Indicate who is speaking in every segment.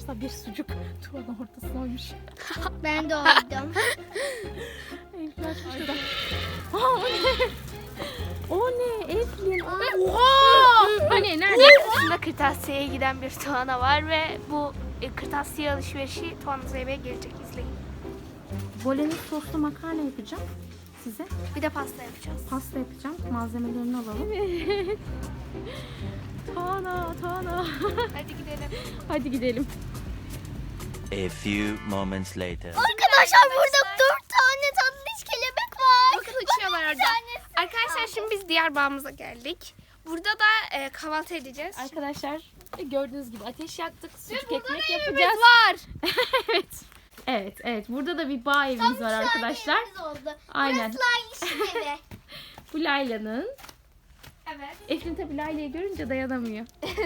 Speaker 1: varsa bir sucuk Tuğan'ın ortasına oymuş.
Speaker 2: Ben de oydum.
Speaker 1: Eflin açmış da. Aa, o ne? O ne Eflin? Oha! Hani nerede?
Speaker 3: Aslında kırtasiyeye giden bir Tuana var ve bu kırtasiye alışverişi Tuana Zeybek'e gelecek, izleyin.
Speaker 1: Bolognese soslu makarna yapacağım size.
Speaker 3: Bir de pasta yapacağız.
Speaker 1: Pasta yapacağım. Malzemelerini alalım. Evet. Tuana.
Speaker 3: Hadi gidelim.
Speaker 1: Hadi gidelim.
Speaker 4: A few moments later.
Speaker 2: Arkadaşlar burada 4 tane tatlış kelebek var.
Speaker 3: Bakın uçuyorlar orada. Arkadaşlar şimdi biz diğer bağımıza geldik. Burada da kahvaltı edeceğiz.
Speaker 1: Arkadaşlar gördüğünüz gibi ateş yaktık. Sucuk ekmek yapacağız.
Speaker 3: var.
Speaker 1: Evet. Burada da bir bağ evimiz var arkadaşlar.
Speaker 2: Oldu.
Speaker 1: Aynen.
Speaker 2: Burası işin evi.
Speaker 1: Bu Layla'nın.
Speaker 3: Evet.
Speaker 1: Eflin tabii Layla'yı görünce dayanamıyor.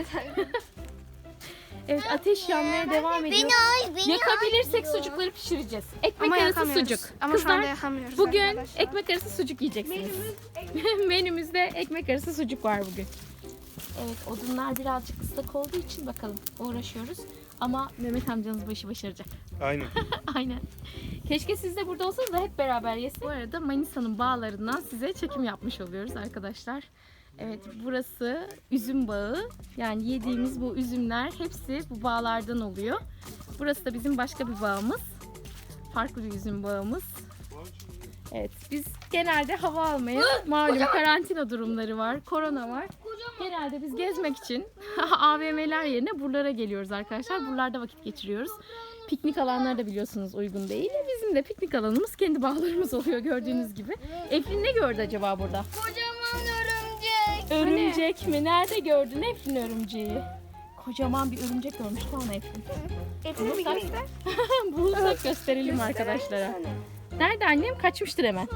Speaker 1: Evet, ateş yanmaya devam ediyor. Yakabilirsek sucukları pişireceğiz. Ekmek
Speaker 3: Ama
Speaker 1: arası
Speaker 3: yakamıyoruz.
Speaker 1: sucuk.
Speaker 3: Ama şu anda
Speaker 1: Kızlar
Speaker 3: yakamıyoruz
Speaker 1: bugün
Speaker 3: arkadaşlar.
Speaker 1: ekmek arası sucuk yiyeceksiniz. Menümüzde ekmek arası sucuk var bugün. Evet, odunlar birazcık ıslak olduğu için bakalım uğraşıyoruz. Ama Mehmet amcanız bu işi başaracak.
Speaker 5: Aynen.
Speaker 1: Aynen. Keşke siz de burada olsanız da hep beraber yesek. Bu arada Manisa'nın bağlarından size çekim yapmış oluyoruz arkadaşlar. Evet, burası üzüm bağı. Yani yediğimiz bu üzümler hepsi bu bağlardan oluyor. Burası da bizim başka bir bağımız. Farklı bir üzüm bağımız. Evet, biz genelde hava almaya, malum karantina durumları var, korona var. Genelde biz gezmek için AVM'ler yerine buralara geliyoruz arkadaşlar. Buralarda vakit geçiriyoruz. Piknik alanları da biliyorsunuz uygun değil. Bizim de piknik alanımız kendi bağlarımız oluyor gördüğünüz gibi. Eflin ne gördü acaba burada?
Speaker 2: Kocaman örümcek.
Speaker 1: Örümcek mi? Nerede gördün Eflin örümceği? Kocaman bir örümcek görmüş Tuana Eflin.
Speaker 3: Etini bir göster.
Speaker 1: Bulursak gösterelim arkadaşlara. Nerede annem? Kaçmıştır hemen.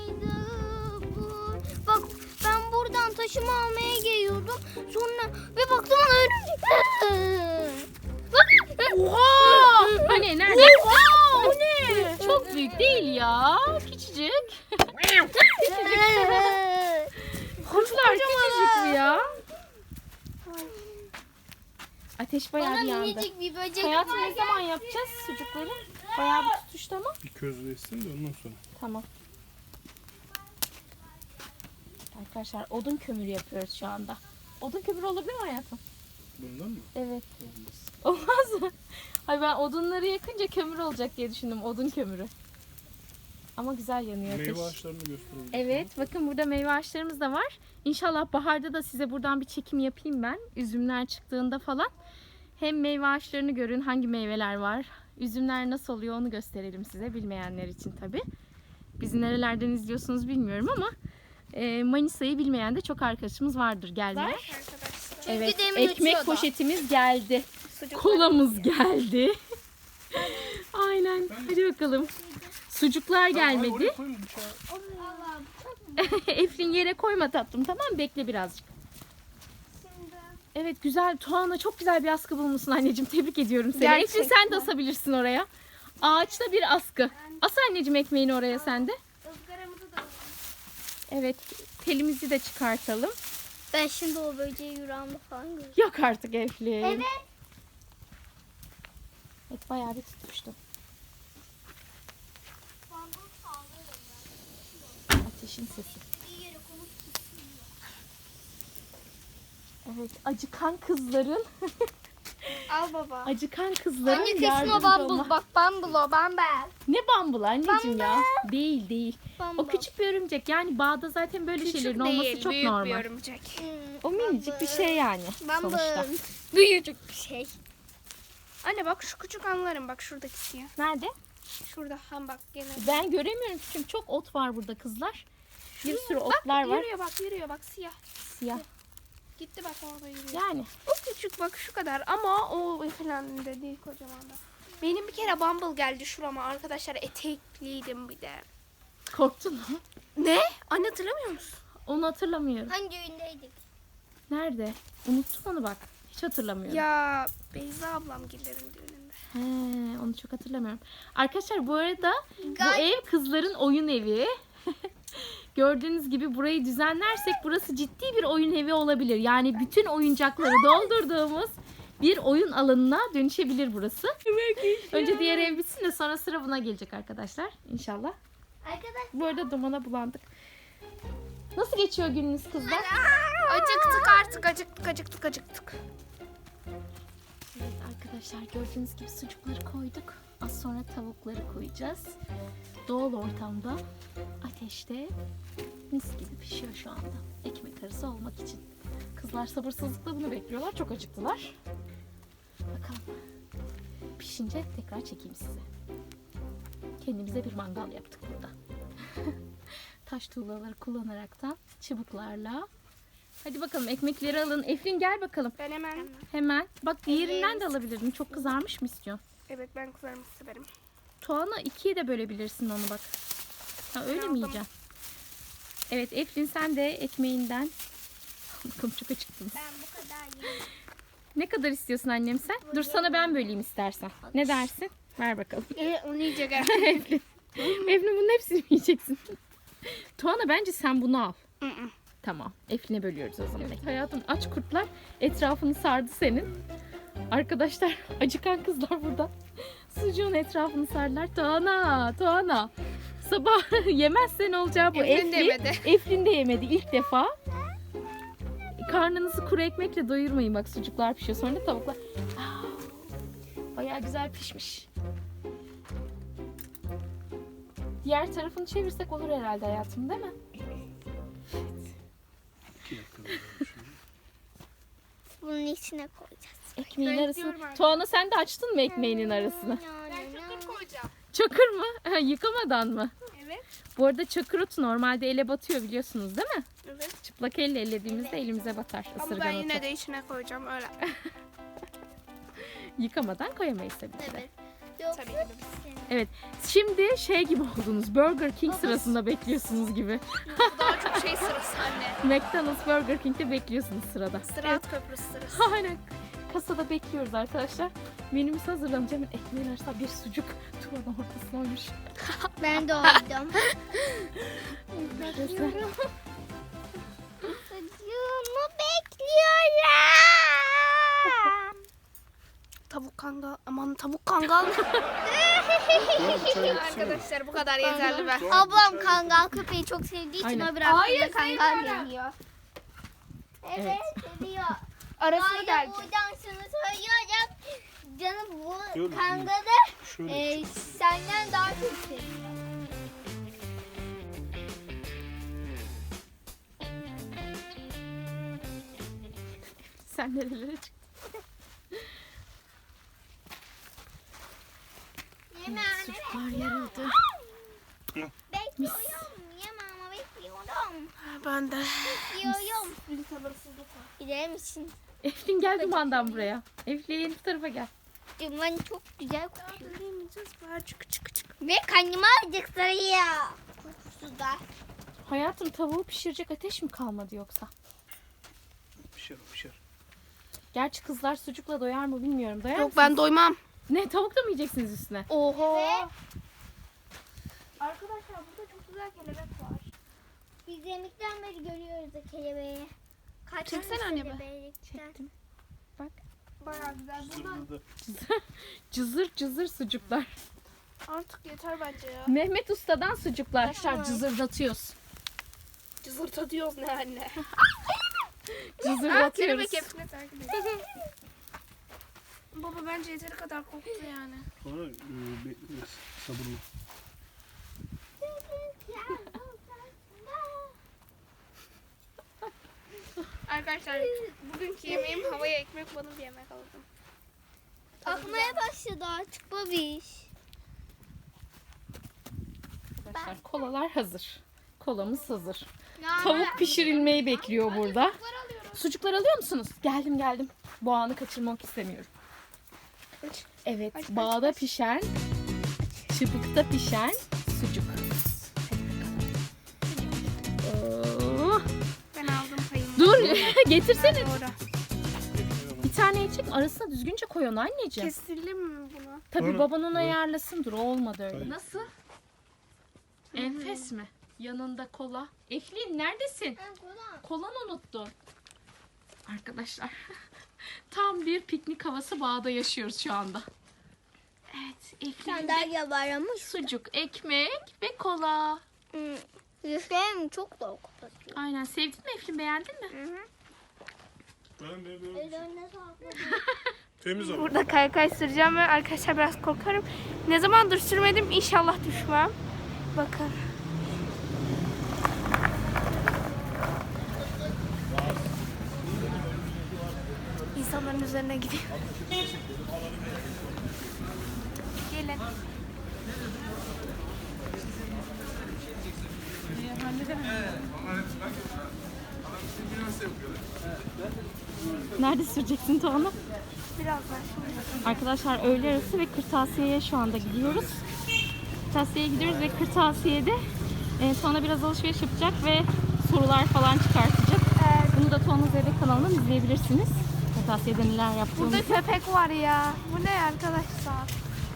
Speaker 2: Bak ben buradan taşımı almaya geliyordum. Sonra ve baktım ona örümcek.
Speaker 1: Oha! Hani nerede? O ne? Çok büyük değil ya. Küçücük. Kuşlar küçücük mü ya? Ateş bayağı bir yandı.
Speaker 2: Minicik bir böcek
Speaker 1: Hayatım
Speaker 2: var.
Speaker 1: ne zaman yapacağız sucukları? Bayağı bir tutuştu ama.
Speaker 5: Bir közleşsin de ondan sonra.
Speaker 1: Tamam. Arkadaşlar odun kömürü yapıyoruz şu anda. Odun kömürü olabilir mi hayatım?
Speaker 5: Bundan mı?
Speaker 1: Evet.
Speaker 5: Olmaz.
Speaker 1: Olmaz mı? Hayır, ben odunları yakınca kömür olacak diye düşündüm. Odun kömürü. Ama güzel yanıyor ateş.
Speaker 5: Meyve ağaçlarını gösterelim.
Speaker 1: Evet, bakın burada meyve ağaçlarımız da var. İnşallah baharda da size buradan bir çekim yapayım ben. Üzümler çıktığında falan. Hem meyve ağaçlarını görün, hangi meyveler var. Üzümler nasıl oluyor onu gösterelim size, bilmeyenler için tabii. Bizi nerelerden izliyorsunuz bilmiyorum ama Manisa'yı bilmeyen de çok arkadaşımız vardır gelmeyen.
Speaker 3: Arkadaşlar.
Speaker 1: Evet,
Speaker 2: demin
Speaker 1: ekmek
Speaker 2: uçuyordu.
Speaker 1: poşetimiz geldi.
Speaker 3: Sucuk
Speaker 1: Kolamız geldi. Aynen, hadi bakalım. Sucuklar gelmedi.
Speaker 5: Oraya koyun bıçağı.
Speaker 1: Eflin yere koyma tatlım, tamam mı? Bekle birazcık. Evet, güzel. Tuana çok güzel bir askı bulmuşsun anneciğim. Tebrik ediyorum seni.
Speaker 3: Gerçekten.
Speaker 1: Eflin sen de asabilirsin oraya. Ağaçta bir askı. As anneciğim ekmeğini oraya sen de. Evet, telimizi de çıkartalım.
Speaker 2: Ben şimdi o böceği yüreğimde falan görüyorum.
Speaker 1: Yok artık Eflin.
Speaker 2: Evet.
Speaker 1: Evet, bayağı bir tutmuştu. Ateşin sesi. Evet, acıkan kızların
Speaker 3: Al baba.
Speaker 1: acıkan kızların
Speaker 2: Anne kesin o
Speaker 1: yardımcı
Speaker 2: bambul.
Speaker 1: olma-
Speaker 2: Bak bambul o bambel.
Speaker 1: Ne bambul anneciğim ya? Değil.
Speaker 2: Bambul.
Speaker 1: O küçük bir örümcek. Yani bağda zaten böyle şeylerin olması çok
Speaker 3: büyük
Speaker 1: normal.
Speaker 3: bir örümcek.
Speaker 1: O minicik bir şey yani sonuçta.
Speaker 2: Bambul. Büyücük bir şey.
Speaker 3: Anne bak şu küçük anlarım, bak şuradaki siyah.
Speaker 1: Nerede?
Speaker 3: Şurada ham bak gene.
Speaker 1: Ben göremiyorum çünkü çok ot var burada kızlar. Bir sürü
Speaker 3: Bak
Speaker 1: otlar var.
Speaker 3: yürüyor bak siyah.
Speaker 1: Siyah.
Speaker 3: Gitti bak orada yürüyor.
Speaker 1: Yani
Speaker 3: O küçük bak şu kadar ama o falan da değil, kocaman da. Benim bir kere bumble geldi şurama arkadaşlar, etekliydim bir de.
Speaker 1: korktun mu?
Speaker 3: Ne? Anne hatırlamıyor musun?
Speaker 1: Onu hatırlamıyorum.
Speaker 2: Hangi oyundaydık?
Speaker 1: Nerede? Unuttum onu bak. Hiç hatırlamıyorum.
Speaker 3: Ya Beyza ablam gillerin düğününde.
Speaker 1: He, onu çok hatırlamıyorum. Arkadaşlar bu arada bu
Speaker 2: Gay-
Speaker 1: ev kızların oyun evi. Gördüğünüz gibi burayı düzenlersek burası ciddi bir oyun evi olabilir. Yani bütün oyuncakları doldurduğumuz bir oyun alanına dönüşebilir burası. Önce diğer ev bitsin de sonra sıra buna gelecek arkadaşlar. İnşallah.
Speaker 2: Arkadaşlar
Speaker 1: Bu arada dumana bulandık. Nasıl geçiyor gününüz kızlar?
Speaker 3: Acıktık artık, acıktık.
Speaker 1: Evet arkadaşlar, gördüğünüz gibi sucukları koyduk. Az sonra tavukları koyacağız. Doğal ortamda ateşte mis gibi pişiyor şu anda. Ekmek arası olmak için. Kızlar sabırsızlıkla bunu bekliyorlar. Çok acıktılar. Bakalım. Pişince tekrar çekeyim size. Kendimize bir mangal yaptık burada. Taş tuğlaları kullanaraktan çubuklarla. Hadi bakalım ekmekleri alın. Eflin gel bakalım.
Speaker 3: Ben hemen,
Speaker 1: Hemen. Bak diğerinden de alabilirdin. Çok kızarmış mı istiyorsun?
Speaker 3: evet ben kızarmış severim.
Speaker 1: Tuğan'a ikiye de bölebilirsin onu bak. Ha öyle mi
Speaker 3: Aldım.
Speaker 1: yiyeceksin? Evet Eflin sen de ekmeğinden. Bakalım çok acıktınız.
Speaker 2: ben bu kadar yiyeyim.
Speaker 1: Ne kadar istiyorsun annem sen? Dur sana ben böleyim istersen. Ne dersin? Ver bakalım.
Speaker 3: Onu yiyecek
Speaker 1: Eflin. Eflin bunun hepsini mi yiyeceksin? Tuğan'a bence sen bunu al. Tamam. Eflin'e bölüyoruz o zaman. Evet, hayatım aç kurtlar etrafını sardı senin. Arkadaşlar acıkan kızlar burada. Sucuğun etrafını sardılar. Tuğana. Sabah yemezsen olacağı bu.
Speaker 3: Eflin de yemedi.
Speaker 1: Eflin de yemedi ilk defa. Karnınızı kuru ekmekle doyurmayın, bak sucuklar pişiyor. Sonra da tavuklar. Bayağı güzel pişmiş. Diğer tarafını çevirsek olur herhalde hayatım, değil mi?
Speaker 5: 2 dakika böyle şimdi.
Speaker 2: Bunun içine koyacağız.
Speaker 1: Ekmeğin
Speaker 3: Ben
Speaker 1: arasını.
Speaker 3: istiyorum artık.
Speaker 1: Tuğana sen de açtın mı ekmeğinin arasını?
Speaker 3: Ben çakır koyacağım.
Speaker 1: Çakır mı? Ha, yıkamadan mı?
Speaker 3: Evet.
Speaker 1: Bu arada çakır otu normalde ele batıyor biliyorsunuz değil mi?
Speaker 3: Evet.
Speaker 1: Çıplak elle ellediğimizde elimize batar
Speaker 3: Ama
Speaker 1: ısırgan
Speaker 3: ben
Speaker 1: otu.
Speaker 3: yine de içine koyacağım öyle.
Speaker 1: Yıkamadan koyamayız tabii ki de.
Speaker 2: Evet. Yoksa
Speaker 3: Tabii ki de.
Speaker 1: Evet. Şimdi şey gibi oldunuz. Burger King sırasında bekliyorsunuz gibi.
Speaker 3: Bu daha çok şey sırası anne.
Speaker 1: McDonald's, Burger King'de bekliyorsunuz sırada.
Speaker 3: Sırat köprüsü sırası.
Speaker 1: Aynen. Kasada bekliyoruz arkadaşlar. Menümüz hazırlanacak. Hemen ekmeğin arasında bir sucuk. Tuğanın ortasına olmuş.
Speaker 2: ben de oydum.
Speaker 1: Bekliyorum.
Speaker 2: Sucuğumu bekliyorum.
Speaker 3: Tavuk kangal. Aman tavuk kangal.
Speaker 5: Tuğan bir çay getirsene.
Speaker 3: Arkadaşlar bu kadar yeterli be.
Speaker 2: Ablam kangal köpeği çok sevdiği için
Speaker 1: Aynen.
Speaker 2: o bıraktı
Speaker 3: Hayır,
Speaker 2: da kangal
Speaker 3: sevmiyorum.
Speaker 2: geliyor.
Speaker 1: Evet.
Speaker 2: Evet, seviyor.
Speaker 3: Arasını
Speaker 2: Hayır,
Speaker 3: deleceğim.
Speaker 2: buradan şunu söylüyorum. Canım bu
Speaker 5: Dur,
Speaker 2: kangalı
Speaker 5: Şöyle
Speaker 2: senden daha çok seviyor.
Speaker 1: Sen nerelere çıktın?
Speaker 2: Yemeğini
Speaker 1: Sucuklar yarıldı.
Speaker 2: bekliyorum. Yemeğimi bekliyorum.
Speaker 3: Ben de.
Speaker 2: Bekliyorum. Bir sabırsızlık var. Gidelim için.
Speaker 1: Eflin gel dumandan buraya. Eflin bu tarafa gel.
Speaker 2: Duman çok güzel kokuyor.
Speaker 3: Çık.
Speaker 2: Ve karnıma acıktırıyor. Kokusu da.
Speaker 1: Hayatım tavuğu pişirecek ateş mi kalmadı yoksa?
Speaker 5: pişer.
Speaker 1: Gerçi kızlar sucukla doyar mı bilmiyorum. Doyar
Speaker 3: Yok
Speaker 1: mısınız?
Speaker 3: ben doymam.
Speaker 1: Ne, tavuk da mı yiyeceksiniz üstüne?
Speaker 3: Oho.
Speaker 2: Ve
Speaker 3: Arkadaşlar burada çok güzel kelebek var.
Speaker 2: biz yemekten beri görüyoruz o kelebeği. Kaç
Speaker 3: Çeksene
Speaker 2: tane
Speaker 3: anne be.
Speaker 2: kelebekten?
Speaker 1: Çektim. Bak.
Speaker 3: Bayağı güzel. Buradan
Speaker 1: Cızır cızır sucuklar.
Speaker 3: artık yeter bence ya.
Speaker 1: Mehmet Usta'dan sucuklar. Arkadaşlar cızırdatıyoruz.
Speaker 3: Cızırtı diyoruz ne anne.
Speaker 1: Cızırdatıyoruz.
Speaker 3: Kelebek hepsine takip ediyor. Baba bence yeteri kadar koktu yani.
Speaker 5: Sonra bekliyoruz sabırlı.
Speaker 3: Arkadaşlar bugünkü yemeğim havaya ekmek banı bir yemek aldım.
Speaker 2: Akmaya başladı artık babiş.
Speaker 1: Arkadaşlar kolalar hazır. Kolamız hazır.
Speaker 2: Yani
Speaker 1: Tavuk pişirilmeyi bekliyor burada. Sucuklar alıyor musunuz? Geldim. Bu anı kaçırmak istemiyorum. Evet,
Speaker 3: Aç,
Speaker 1: bağda pişen, çubukta pişen sucuk. Oh.
Speaker 3: Ben aldım payımı.
Speaker 1: Dur, getirsene.
Speaker 3: Doğru.
Speaker 1: Bir tane çek, arasına düzgünce koy onu anneciğim.
Speaker 3: Kesildi mi bunu?
Speaker 1: Tabii
Speaker 5: Sonra-
Speaker 1: baban onu ayarlasın. Dur, olmadı öyle.
Speaker 5: Hayır.
Speaker 1: Nasıl? Enfes mi? Yanında kola. Eflin neredesin? Kolanı unuttun. Arkadaşlar Tam bir piknik havası bağda yaşıyoruz şu anda. Evet, Eflin'in de
Speaker 2: Sandalye var ama
Speaker 1: sucuk, ekmek ve kola.
Speaker 2: Yüzlerim çok da kapatıyor.
Speaker 1: Aynen, sevdin mi Eflin, beğendin mi?
Speaker 2: Ellerine sağlık.
Speaker 5: Temiz ama.
Speaker 3: Burada kaykay süreceğim ve arkadaşlar biraz korkarım. Ne zamandır sürmedim, inşallah düşmem. Bakın. İnsanların üzerine gidiyor. Gelin.
Speaker 1: Nerede süreceksin Tuana?
Speaker 3: Birazdan şimdi.
Speaker 1: Arkadaşlar öğle arası ve kırtasiyeye şu anda gidiyoruz. Kırtasiyeye gidiyoruz ve kırtasiyede Tuana biraz alışveriş yapacak ve sorular falan çıkartacak. Bunu da Tuana Zeybek kanalından izleyebilirsiniz. Kırtasiyede neler yaptığımızı.
Speaker 3: Burada köpek var ya. Bu ne arkadaşlar?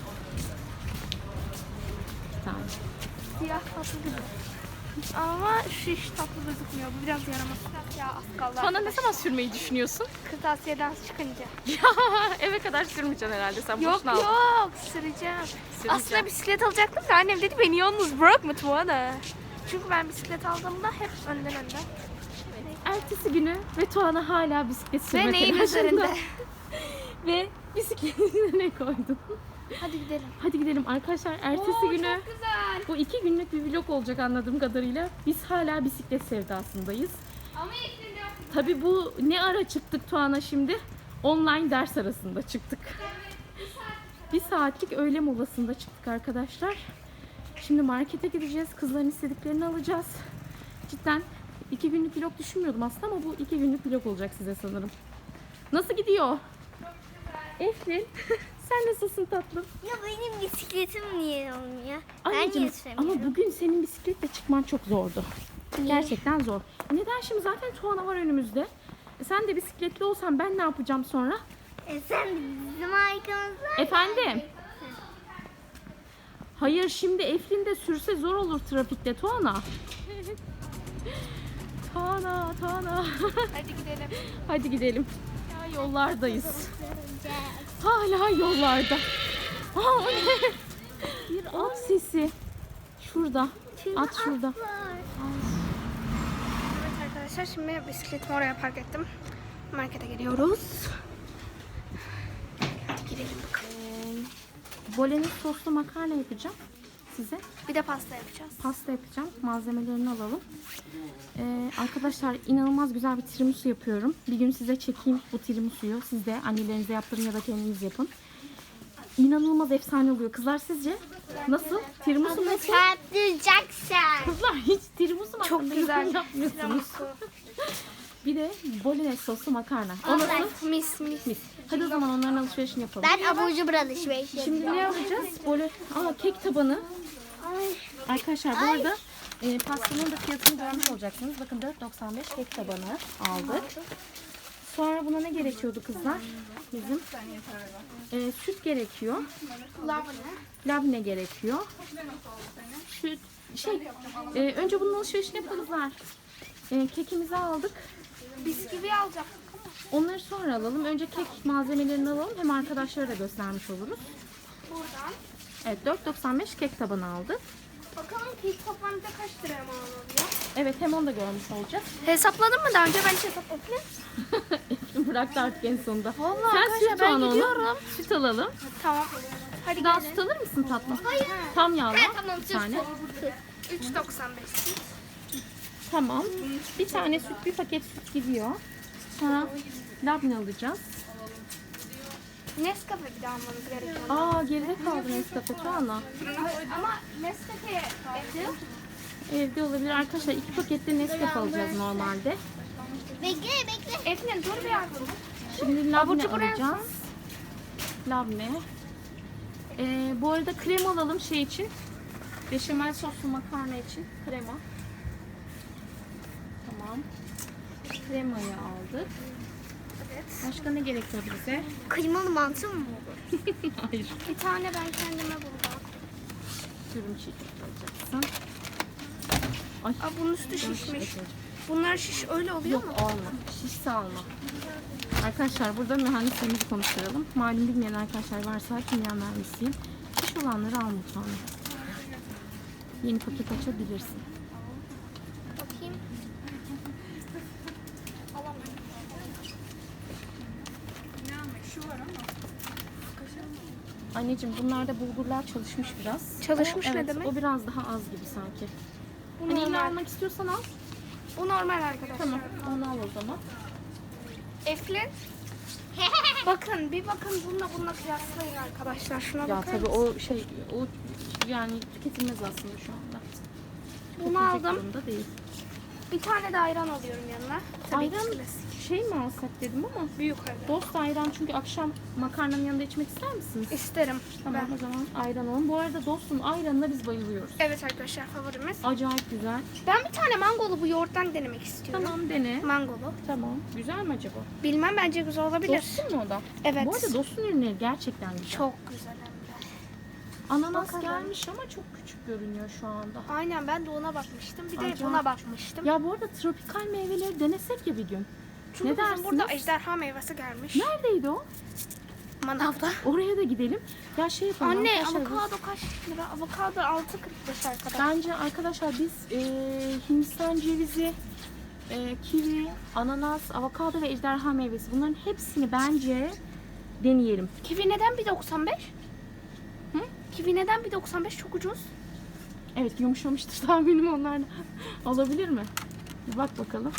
Speaker 1: Tamam.
Speaker 3: Siyah tatlı gibi. Ama şu iş tatlı gözükmüyor. Bu biraz yaramaz. Ya az kaldı.
Speaker 1: Tuana ne zaman sürmeyi düşünüyorsun?
Speaker 3: Kırtasiyeden çıkınca.
Speaker 1: Ya eve kadar sürmeyeceksin herhalde, sen
Speaker 3: Yok
Speaker 1: boşuna aldın.
Speaker 3: yok süreceğim. Aslında bisiklet alacaktım da annem dedi beni yalnız bırakma Tuana. Çünkü ben bisiklet aldığımda hep önden.
Speaker 1: Ertesi günü ve Tuana hala bisiklet
Speaker 3: Ve
Speaker 1: sürme
Speaker 3: neyin
Speaker 1: telaşında.
Speaker 3: üzerinde?
Speaker 1: Ve bisikletini ne koydun?
Speaker 3: Hadi gidelim.
Speaker 1: Hadi gidelim arkadaşlar, ertesi günü.
Speaker 3: Çok güzel.
Speaker 1: Bu 2 günlük bir vlog olacak anladığım kadarıyla. Biz hala bisiklet sevdasındayız.
Speaker 3: Ama yeterli.
Speaker 1: Tabii bu ne ara çıktık Tuana şimdi? Online ders arasında çıktık. Bir saatlik öğle molasında çıktık arkadaşlar. Şimdi markete gideceğiz. Kızların istediklerini alacağız. Cidden 2 günlük vlog düşünmüyordum aslında ama bu 2 günlük vlog olacak size sanırım. Nasıl gidiyor? Eflin, sen nasılsın tatlım?
Speaker 2: Ya benim bisikletim niye olmuyor? Ben
Speaker 1: Anneciğim,
Speaker 2: niye süremiyorum?
Speaker 1: ama bugün senin bisikletle çıkman çok zordu. Gerçekten zor. Neden? Şimdi zaten Tuana var önümüzde. Sen de bisikletli olsan ben ne yapacağım sonra?
Speaker 2: Sen bizim arkamızda.
Speaker 1: Efendim? Hayır, şimdi Eflin de sürse zor olur trafikte Tuana. Tuana.
Speaker 3: Hadi gidelim.
Speaker 1: Hadi gidelim. Ya yollardayız. Hala yollarda. Aa, o ne? Bir at sesi. Şurada. At şurada.
Speaker 3: Evet arkadaşlar şimdi bisikletimi oraya park ettim. Markete geliyoruz. Hadi gidelim bakalım.
Speaker 1: Bolognese soslu makarna yapacağım size.
Speaker 3: Bir de pasta yapacağız.
Speaker 1: Pasta yapacağım. Malzemelerini alalım. Arkadaşlar inanılmaz güzel bir tiramisu yapıyorum. Bir gün size çekeyim bu tiramisu'yu. Siz de annelerinize yaptırın ya da kendiniz yapın. İnanılmaz efsane oluyor. Kızlar sizce nasıl? Tiramisu nasıl?
Speaker 2: Çarptıracaksın.
Speaker 1: Kızlar hiç tiramisu
Speaker 3: Çok
Speaker 1: hakkında
Speaker 3: güzel.
Speaker 1: yorum yapmıyorsunuz. Bir de bolognese soslu makarna. O nasıl?
Speaker 3: Mis.
Speaker 1: Hadi o zaman onların alışverişini yapalım.
Speaker 2: Ben abur cubur alışverişi
Speaker 1: Şimdi ne yapacağız? Kek tabanı. Arkadaşlar bu arada pastanın da fiyatını görmüş olacaksınız. Bakın 4.95 kek tabanı aldık. Sonra buna ne gerekiyordu kızlar? Bizim süt gerekiyor. Labne gerekiyor. Süt. Önce bunun alışverişini yapalım kızlar. Kekimizi aldık.
Speaker 3: Bisküvi alacağım.
Speaker 1: Onları sonra alalım. Önce kek malzemelerini alalım. Hem arkadaşlara da göstermiş oluruz.
Speaker 3: Buradan.
Speaker 1: Evet, 4.95 kek tabanı aldık.
Speaker 3: Bakalım kek toplamda kaç liraya mal oluyor?
Speaker 1: Evet, hem onu da görmüş olacağız.
Speaker 3: Hesapladın mı daha önce? Ben hiç hesapladım.
Speaker 1: Bıraktı artık en sonunda.
Speaker 3: Vallahi
Speaker 1: Sen
Speaker 3: arkadaşlar
Speaker 1: süt
Speaker 3: ben
Speaker 1: al onu.
Speaker 3: gidiyorum.
Speaker 1: Süt alalım.
Speaker 3: Tamam. Hadi
Speaker 1: Daha
Speaker 3: gelin.
Speaker 1: süt alır mısın tatlım? Tam yağlı.
Speaker 2: Tamam
Speaker 1: Bir tane.
Speaker 3: 3.95.
Speaker 1: Tamam. Bir tane süt, bir paket süt gidiyor. Sonra labne alacağız.
Speaker 3: Nescafe bir de almanız gerekiyor.
Speaker 1: Aa, geride kaldı Nescafe Tuana.
Speaker 3: Ama Nescafe evde.
Speaker 1: Evde olabilir. Arkadaşlar 2 pakette Nescafe alacağız normalde.
Speaker 2: Bekle.
Speaker 3: Efendim dur bir yardım.
Speaker 1: Şimdi
Speaker 3: Abur
Speaker 1: labne
Speaker 3: cubur
Speaker 1: alacağız. Labne. Bu arada krema alalım şey için. Beşamel soslu makarna için krema. Tamam. Kremayı aldık.
Speaker 3: Evet.
Speaker 1: Başka ne gerekiyor bize?
Speaker 2: Kıymalı mantı mı olur?
Speaker 1: Hayır.
Speaker 3: Bir tane ben kendime buldum.
Speaker 1: Sürüm çiğ alacaksın. Ay.
Speaker 3: Aa, bunun üstü
Speaker 1: yanlış
Speaker 3: şişmiş.
Speaker 1: yapıyorum.
Speaker 3: Bunlar şiş öyle oluyor mu?
Speaker 1: Yok alma. Şişse alma. Arkadaşlar burada mühendislerimizi konuşturalım. Malum bilmeyen arkadaşlar varsa kimya mühendisiyim. Şiş olanları al mutfağına. Yeni paket açabilirsin.
Speaker 3: Bakayım.
Speaker 1: Anneciğim bunlarda bulgurlar çalışmış biraz.
Speaker 3: Çalışmış
Speaker 1: O,
Speaker 3: ne
Speaker 1: evet,
Speaker 3: demek?
Speaker 1: O biraz daha az gibi sanki.
Speaker 3: Bu
Speaker 1: Hani illa
Speaker 3: normal.
Speaker 1: almak istiyorsan al.
Speaker 3: Bu normal arkadaşlar.
Speaker 1: Tamam onu al o zaman.
Speaker 3: Eflin. Bakın bir bakın bununla kıyaslayın arkadaşlar. Şuna
Speaker 1: Ya
Speaker 3: bakar
Speaker 1: tabii
Speaker 3: mısın?
Speaker 1: o şey o yani tüketilmez aslında şu anda.
Speaker 3: Bunu
Speaker 1: Tüketilecek
Speaker 3: aldım.
Speaker 1: durumda değil.
Speaker 3: Bir tane de ayran alıyorum yanına. Tabii
Speaker 1: Ayran
Speaker 3: ki klasik.
Speaker 1: şey mi alsak dedim ama
Speaker 3: Büyük ayran.
Speaker 1: dost ayran çünkü akşam makarnanın yanında içmek ister misiniz?
Speaker 3: İsterim.
Speaker 1: Tamam
Speaker 3: Ben.
Speaker 1: o zaman ayran alalım. Bu arada dostun ayranına biz bayılıyoruz.
Speaker 3: Evet arkadaşlar favorimiz.
Speaker 1: Acayip güzel.
Speaker 3: Ben bir tane mangolu bu yoğurttan denemek istiyorum.
Speaker 1: Tamam dene.
Speaker 3: Mangolu.
Speaker 1: Tamam. Güzel mi acaba?
Speaker 3: Bilmem bence güzel olabilir.
Speaker 1: Dostun mu o da?
Speaker 3: Evet.
Speaker 1: Bu arada dostun ürünleri gerçekten güzel.
Speaker 3: Çok güzel hem de.
Speaker 1: Ananas
Speaker 3: Bakalım.
Speaker 1: gelmiş ama çok küçük görünüyor şu anda.
Speaker 3: Aynen ben de ona bakmıştım. Bir de
Speaker 1: Acayip
Speaker 3: buna
Speaker 1: küçük.
Speaker 3: bakmıştım.
Speaker 1: Ya bu arada tropikal meyveleri denesek ya bir gün.
Speaker 3: Çünkü
Speaker 1: ne
Speaker 3: bizim
Speaker 1: dersiniz?
Speaker 3: burada ejderha meyvesi gelmiş.
Speaker 1: Neredeydi o?
Speaker 3: Manavda.
Speaker 1: Oraya da gidelim. Ya şey yapalım
Speaker 3: Anne
Speaker 1: arkadaşlar, biz-
Speaker 3: avokado kaç lira? Avokado 6.45 arkadaşlar.
Speaker 1: Bence arkadaşlar biz Hindistan cevizi, kivi, ananas, avokado ve ejderha meyvesi bunların hepsini bence deneyelim.
Speaker 3: Kivi neden 1.95? Hı? Kivi neden 1.95 çok ucuz?
Speaker 1: Evet yumuşamıştır tahminim onlardan. Olabilir mi? Bir bak bakalım.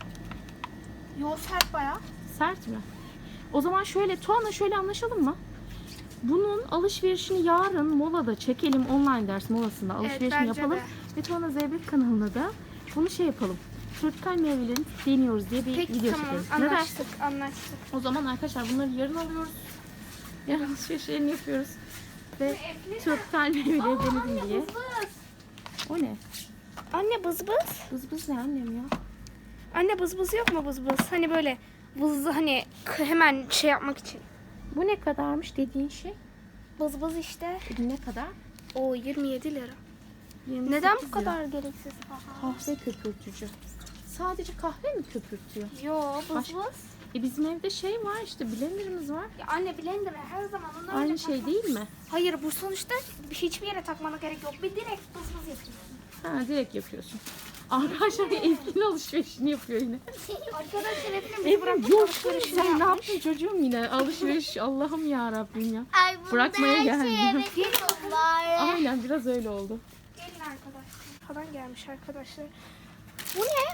Speaker 3: Yo sert bayağı.
Speaker 1: Sert mi? O zaman şöyle Tuana şöyle anlaşalım mı? Bunun alışverişini yarın molada çekelim online ders molasında alışverişini
Speaker 3: bence
Speaker 1: yapalım.
Speaker 3: de.
Speaker 1: Ve Tuana Zeybek kanalına da bunu şey yapalım. Tropikal meyvelerini deniyoruz diye bir
Speaker 3: Peki
Speaker 1: video
Speaker 3: tamam
Speaker 1: çekelim. Ne dersin?
Speaker 3: anlaştık anlaştık.
Speaker 1: O zaman arkadaşlar bunları yarın alıyoruz. Yarın alışverişlerini yapıyoruz. Ve tropikal meyveleri denedim diye. O ne?
Speaker 3: Anne bız bız.
Speaker 1: Bız bız ne annem ya?
Speaker 3: Anne bız bız yok mu bız bız? Hani böyle bızlı hani hemen şey yapmak için.
Speaker 1: Bu ne kadarmış dediğin şey?
Speaker 3: Bız bız işte.
Speaker 1: Ne kadar?
Speaker 3: O 27 lira.
Speaker 1: 28
Speaker 3: Neden bu
Speaker 1: lira.
Speaker 3: kadar gereksiz pahalı?
Speaker 1: Kahve köpürtücü. Sadece kahve mi köpürtüyor?
Speaker 3: Yo bız
Speaker 1: Başka-
Speaker 3: bız.
Speaker 1: Bizim evde şey var işte blenderımız var.
Speaker 3: Ya anne blender her zaman onu öyle
Speaker 1: Aynı şey
Speaker 3: takma.
Speaker 1: değil mi?
Speaker 3: Hayır bu sonuçta hiçbir yere takmana gerek yok. Bir direkt bız bız yapıyorsun.
Speaker 1: Ha direkt yapıyorsun. Arkadaşlar Eflin alışverişini yapıyor yine.
Speaker 3: Arkadaşlar hepimiz
Speaker 1: Eflin yok sen ne yaptın çocuğum yine alışveriş Allah'ım ya Rabbim ya.
Speaker 2: Ay bunda
Speaker 1: Bırakmaya
Speaker 2: her
Speaker 1: geldim.
Speaker 2: şeye bekliyorlar.
Speaker 1: Aynen biraz öyle oldu.
Speaker 3: Gelin arkadaşlar. Falan gelmiş arkadaşlar. Bu ne?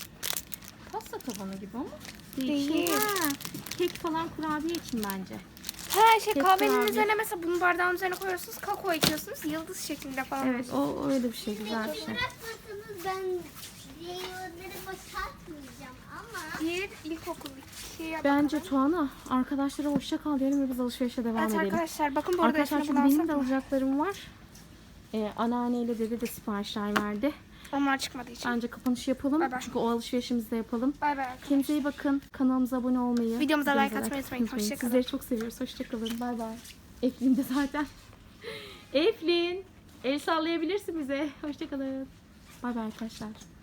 Speaker 1: Pasta tabanı gibi ama.
Speaker 3: Değil.
Speaker 1: Ha, kek falan kurabiye için bence.
Speaker 3: Ha şey
Speaker 1: Kek
Speaker 3: kahvenin
Speaker 1: kurabiye.
Speaker 3: üzerine mesela bunu bardağın üzerine koyuyorsunuz. Kakao ekliyorsunuz. Yıldız şeklinde falan.
Speaker 1: Evet o öyle bir şey güzel bir şey.
Speaker 2: Bırakmasanız ben meyveleri boşaltmayacağım ama.
Speaker 3: Bir ilkokul 2'ye
Speaker 1: Bence Tuana arkadaşlara hoşça kal diyelim ve biz alışverişe devam
Speaker 3: Evet
Speaker 1: edelim.
Speaker 3: arkadaşlar bakın bu arada
Speaker 1: Arkadaşlar
Speaker 3: Efe'ne
Speaker 1: çünkü benim de
Speaker 3: bulansak mı?
Speaker 1: alacaklarım var. Anneanneyle dede de siparişler verdi.
Speaker 3: Onlar çıkmadığı için.
Speaker 1: Bence kapanışı yapalım.
Speaker 3: Bay bay.
Speaker 1: Çünkü o alışverişimizi de yapalım.
Speaker 3: Bay bay arkadaşlar.
Speaker 1: Kendinize iyi bakın. Kanalımıza abone olmayı.
Speaker 3: Videomuza like
Speaker 1: videomuza
Speaker 3: atmayı unutmayın. Hoşça kalın.
Speaker 1: Sizleri çok seviyoruz. Hoşçakalın. Bay bay. Eflin de zaten. Eflin. El sallayabilirsin bize. Hoşçakalın. Bay bay arkadaşlar.